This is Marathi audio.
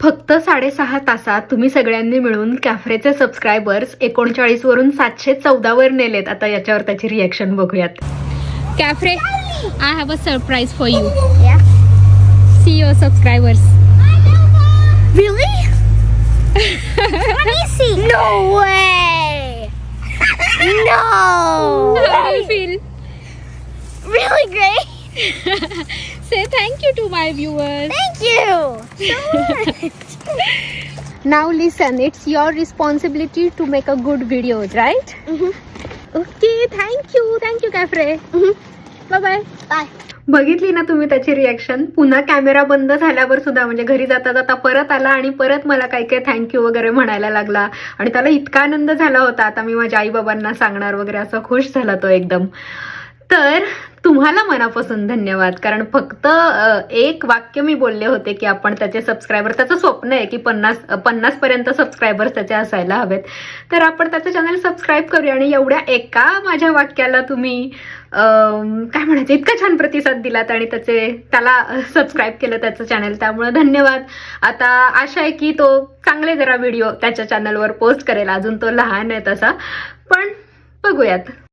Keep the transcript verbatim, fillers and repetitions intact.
फक्त साडेसहा तासात तुम्ही सगळ्यांनी मिळून कॅफ्रेचे सबस्क्रायबर्स एकोणचाळीस वरून सातशे चौदा वर नेलेत. आता याच्यावर त्याची रिॲक्शन बघूयात. कॅफ्रे, I have a surprise for you. See your subscribers. Really? Let me see. No way. No. How do you feel? Really great. Say thank you to my viewers. Thank you so much. Now listen, it's your responsibility to make a good videos, right? Mhm. Okay, thank you. Thank you, Kafre. Mhm. Bye bye. Bye. बघितली ना तुम्ही त्याची रिॲक्शन. पुन्हा कॅमेरा बंद झाल्यावर सुद्धा म्हणजे घरी जाता जाता परत आला आणि परत मला काय काय थँक्यू वगैरे म्हणायला लागला. आणि त्याला इतका आनंद झाला होता, आता मी माझ्या आई बाबांना सांगणार वगैरे, असं खुश झाला तो एकदम. तर तुम्हाला मनापासून धन्यवाद. कारण फक्त एक वाक्य मी बोलले होते की आपण त्याचे सबस्क्रायबर, त्याचं स्वप्न आहे की पन्नास पन्नास पर्यंत सबस्क्रायबर्स त्याचे असायला हवेत. तर आपण त्याचं चॅनल सबस्क्राईब करूया. आणि एवढ्या एका माझ्या वाक्याला तुम्ही काय म्हणायचं, इतका छान प्रतिसाद दिलात आणि त्याचे त्याला सबस्क्राईब केलं त्याचं चॅनल. त्यामुळे धन्यवाद. आता आशा आहे की तो चांगले जरा व्हिडिओ त्याच्या चॅनलवर पोस्ट करेल. अजून तो लहान आहे तसा, पण बघूयात.